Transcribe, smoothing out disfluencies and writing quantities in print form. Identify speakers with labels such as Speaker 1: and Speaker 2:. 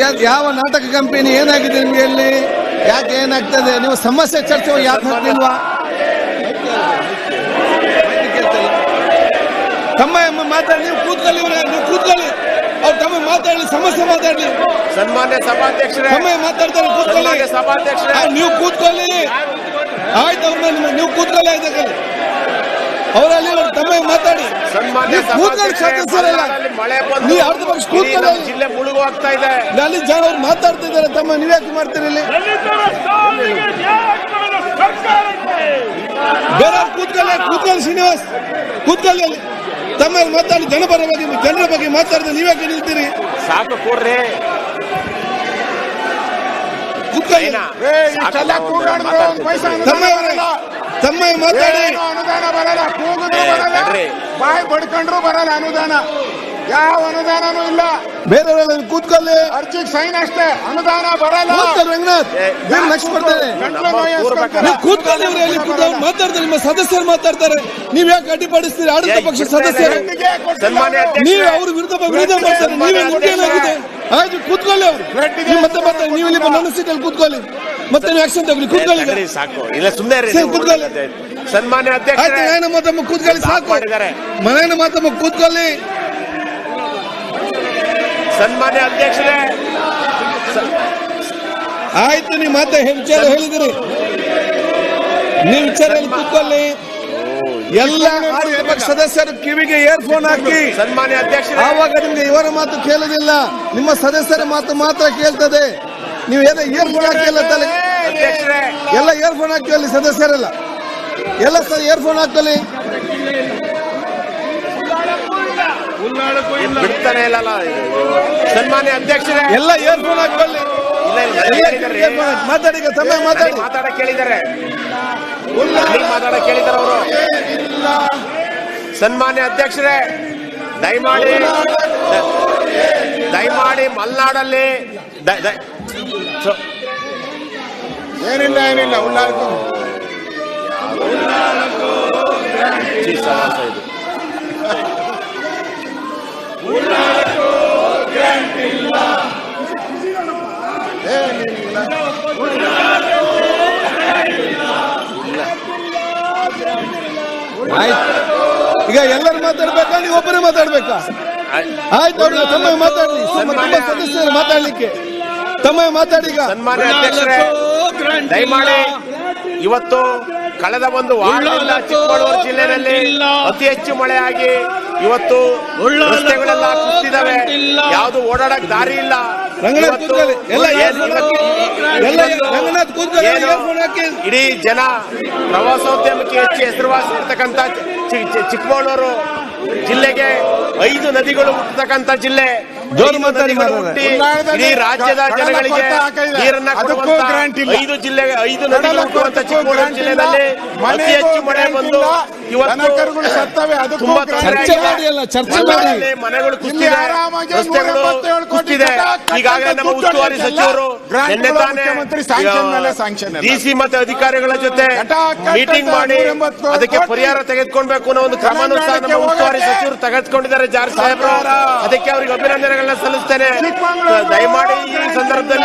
Speaker 1: ಯಾವ ನಾಟಕ ಕಂಪನಿ ಏನಾಗಿದೆ ನಿಮ್ಗೆ ಇಲ್ಲಿ? ಯಾಕೆ ಏನಾಗ್ತದೆ? ನೀವು ಸಮಸ್ಯೆ ಚರ್ಚೆ ಯಾಕೆ ಹಾಕ್ಲಿಲ್ವಾ? ತಮ್ಮ ಮಾತಾಡಿ, ನೀವು ಕೂತ್ಕೊಳ್ಳಿ, ನೀವು ಕೂತ್ಕೊಳ್ಳಿ, ಅವ್ರು ತಮ್ಮ ಮಾತಾಡಲಿ, ಸಮಸ್ಯೆ ಮಾತಾಡಲಿ.
Speaker 2: ಸನ್ಮಾನ್ಯ ಸಭಾಧ್ಯಕ್ಷರೇ,
Speaker 1: ತಮ್ಮ ಮಾತಾಡ್ತಾರೆ, ಕೂತ್ಕೊಳ್ಳಿ.
Speaker 2: ಸಭಾಧ್ಯಕ್ಷರೇ,
Speaker 1: ನೀವು ಕೂತ್ಕೊಳ್ಳಿ, ಆಯ್ತು. ಅವ್ರ ನೀವು ಕೂತ್ಕೊಳ್ಳಿ, ಆಯ್ತು. ಅವರಲ್ಲಿ ತಮ್ಮ ಮಾತಾಡಿ.
Speaker 2: ಸನ್ಮಾನ್ಯ
Speaker 1: ಸದಸ್ಯರಲ್ಲ, ನೀವು ಅರ್ಧ ಪಕ್ಷ ಕೂತ್ಕೊಳ್ಳಿ.
Speaker 2: ಜಿಲ್ಲೆ ಮುಳುಗೋಗ್ತಾ ಇದೆ.
Speaker 1: ಅಲ್ಲಿ ಜನ ಅವ್ರು ಮಾತಾಡ್ತಾ ಇದ್ದಾರೆ. ತಮ್ಮ ನೀವ್ಯಾಕೆ ಮಾಡ್ತೀರಿ ಇಲ್ಲಿ? ಬೇರೆ ಕೂತ್ಕೊಳ್ಳಿ ಶ್ರೀನಿವಾಸ್, ಕೂತ್ಕೊಳ್ಳಿ ಅಲ್ಲಿ. ತಮ್ಮ ಮಾತಾಡಿ, ಜನರ ಬಗ್ಗೆ ಮಾತಾಡಿದ್ರೆ ನೀವ್ಯಾಕೆ ನಿಲ್ತೀರಿ?
Speaker 2: ಸಾಕು ಕೊಡ್ರಿ.
Speaker 1: ತಮ್ಮ ಮಾತಾಡಿ.
Speaker 3: ಅನುದಾನ ಬರಲ್ಲ, ಕೂಗಿದ್ರು ಬರಲ್ಲ, ಬಾಯಿ ಬಡ್ಕೊಂಡ್ರು ಬರಲ್ಲ ಅನುದಾನ. ಯಾವ ಅನುದಾನನೂ ಇಲ್ಲ.
Speaker 1: ಬೇರೆಯವರೆಲ್ಲ ಕೂತ್ಕೊಳ್ಳಿ.
Speaker 3: ಅರ್ಜಿಗೆ ಸೈನ್ ಅಷ್ಟೇ, ಅನುದಾನ ಬರಲ್ಲ.
Speaker 1: ರಂಗನಾಥ್ ಕೂತ್ಕೊಳ್ಳಿ. ಮಾತಾಡ್ತಾರೆ, ನಿಮ್ಮ ಸದಸ್ಯರು ಮಾತಾಡ್ತಾರೆ. ನೀವ್ ಯಾಕೆ ಅಡ್ಡಿಪಡಿಸ್ತೀರಿ? ಆಡಳಿತ ಪಕ್ಷ ಸದಸ್ಯರು ನೀವು ಅವ್ರ ವಿರುದ್ಧ ಮಾಡ್ತಾರೆ. ನೀವೇ ಏನಾಗಿದೆ? ಆಯ್ತು, ಕೂತ್ಕೊಳ್ಳಿ. ಅವ್ರು ಮತ್ತೆ ಬರ್ತಾರೆ. ನೀವು ಇಲ್ಲಿ ನನ್ನ ಸೀಟಲ್ಲಿ ಕೂತ್ಕೊಳ್ಳಿ. ಮತ್ತೆ ನೀವು ಆಕ್ಷನ್ ತಗೊಳ್ಳಿ. ಕೂತ್ಕೊಳ್ಳಿ,
Speaker 2: ಸಾಕು. ಇಲ್ಲ ಸುಮ್ಮನೆ
Speaker 1: ಕೂತ್ಕೊಳ್ಳಿ.
Speaker 2: ಸನ್ಮಾನ್ಯ ಅಧ್ಯಕ್ಷ,
Speaker 1: ಮನೆಯನ್ನ ಮಾತಮ್ಮ ಕೂತ್ಕೊಳ್ಳಿ. ಸಾಕು, ಮನೆಯನ್ನ ಮಾತಮ್ಮ ಕೂತ್ಕೊಳ್ಳಿ.
Speaker 2: ಸನ್ಮಾನ್ಯ ಅಧ್ಯಕ್ಷರೇ,
Speaker 1: ಆಯ್ತು. ನೀವು ಮಾತೆ ವಿಚಾರ ಹೇಳಿದಿರಿ. ನೀವು ವಿಚಾರದಲ್ಲಿ ಕೂತ್ಕೊಳ್ಳಿ. ಎಲ್ಲ ಆಡಳಿತ ಪಕ್ಷ ಸದಸ್ಯರು ಕಿವಿಗೆ ಇಯರ್ಫೋನ್ ಹಾಕಿ.
Speaker 2: ಸನ್ಮಾನ್ಯ ಅಧ್ಯಕ್ಷರೇ,
Speaker 1: ಆವಾಗ ನಿಮ್ಗೆ ಇವರ ಮಾತು ಕೇಳುದಿಲ್ಲ, ನಿಮ್ಮ ಸದಸ್ಯರ ಮಾತು ಮಾತ್ರ ಕೇಳ್ತದೆ. ನೀವು ಏನೋ ಇಯರ್ಫೋನ್ ಹಾಕಿಲ್ಲ ತಲೆ. ಎಲ್ಲ ಇಯರ್ಫೋನ್ ಹಾಕಿ ಅಲ್ಲಿ ಸದಸ್ಯರೆಲ್ಲ ಎಲ್ಲ ಇಯರ್ಫೋನ್ ಹಾಕಲಿ.
Speaker 2: ಬಿಡ್ತಾನೆ ಇಲ್ಲ. ಸನ್ಮಾನ್ಯ ಅಧ್ಯಕ್ಷರೇ,
Speaker 1: ಎಲ್ಲ ಇಯರ್ಫೋನ್ ಹಾಕೊಳ್ಳಿ. ಮಾತಾಡಿ, ಸಮಯ
Speaker 2: ಮಾತಾಡಕ್ ಕೇಳಿದ್ದಾರೆ. ಮಾತಾಡಕ್ ಕೇಳಿದ್ದಾರೆ ಅವರು. ಸನ್ಮಾನ್ಯ ಅಧ್ಯಕ್ಷರೇ, ದಯಮಾಡಿ ಮಲೆನಾಡಲ್ಲಿ
Speaker 3: ಏನಿಲ್ಲ ಉಳ್ಳಾಳಕ್ಕೂ
Speaker 1: ಈಗ ಎಲ್ಲರೂ ಮಾತಾಡ್ಬೇಕಾ? ನೀವು ಒಬ್ಬರೇ ಮಾತಾಡ್ಬೇಕಾ? ಆಯ್ತು, ತಮ್ಮ ಮಾತಾಡ್ಲಿ. ಸದಸ್ಯರು ಮಾತಾಡ್ಲಿಕ್ಕೆ ತಮ್ಮ ಮಾತಾಡಿ.
Speaker 2: ಸನ್ಮಾನ್ಯ ಅಧ್ಯಕ್ಷರೇ, ದಯಮಾಡಿ ಇವತ್ತು ಕಳೆದ ಒಂದು ವಾರದಿಂದ ಚಿಕ್ಕಮಗಳೂರು ಜಿಲ್ಲೆಯಲ್ಲಿ ಅತಿ ಹೆಚ್ಚು ಮಳೆಯಾಗಿ ಇವತ್ತು ರಸ್ತೆಗಳೆಲ್ಲ ಕುಸಿದಿದ್ದಾವೆ. ಯಾವುದು ಓಡಾಡಕ್ ದಾರಿ ಇಲ್ಲ. ಇಡೀ ಜನ ಪ್ರವಾಸೋದ್ಯಮಕ್ಕೆ ಹೆಚ್ಚು ಹೆಸರುವಾಸಿ ಇರ್ತಕ್ಕಂಥ ಚಿಕ್ಕಮಗಳೂರು ಜಿಲ್ಲೆಗೆ 5 ನದಿಗಳು ಹುಟ್ಟತಕ್ಕಂಥ ಜಿಲ್ಲೆ. ಇಡೀ ರಾಜ್ಯದ ಜನಗಳಿಗೆ ನೀರನ್ನ ಕೊಡುವಂತ 5 ಜಿಲ್ಲೆಗೆ 5 ನದಿಗಳು ಹುಟ್ಟುವಂತ ಚಿಕ್ಕಮಗಳೂರು ಜಿಲ್ಲೆಯಲ್ಲಿ ಅತಿ ಹೆಚ್ಚು ಮಳೆ ಬಂದು ಇವತ್ತು ತುಂಬಾ ಮನೆಗಳು ಕುಸಿದಿದೆ, ರಸ್ತೆಗಳು ಕುಸಿದಿದೆ. ಈಗಾಗಲೇ ನಮ್ಮ ಉಸ್ತುವಾರಿ ಸಚಿವರು ನಿನ್ನೆ ತಾನೇ ಡಿಸಿ ಮತ್ತೆ ಅಧಿಕಾರಿಗಳ ಜೊತೆ ಮೀಟಿಂಗ್ ಮಾಡಿ ಅದಕ್ಕೆ ಪರಿಹಾರ ತೆಗೆದುಕೊಳ್ಬೇಕು ಅನ್ನೋ ಒಂದು ಕ್ರಮನೂ ಸಹ ನಮ್ಮ ಉಸ್ತುವಾರಿ ಸಚಿವರು ತೆಗೆದುಕೊಂಡಿದ್ದಾರೆ. ಜಾರ್ಜ್ ಸಾಹೇಬ್ರು, ಅದಕ್ಕೆ ಅವರಿಗೆ ಅಭಿನಂದನೆಗಳನ್ನ ಸಲ್ಲಿಸ್ತೇನೆ. ದಯಮಾಡಿ ಈ ಸಂದರ್ಭದಲ್ಲಿ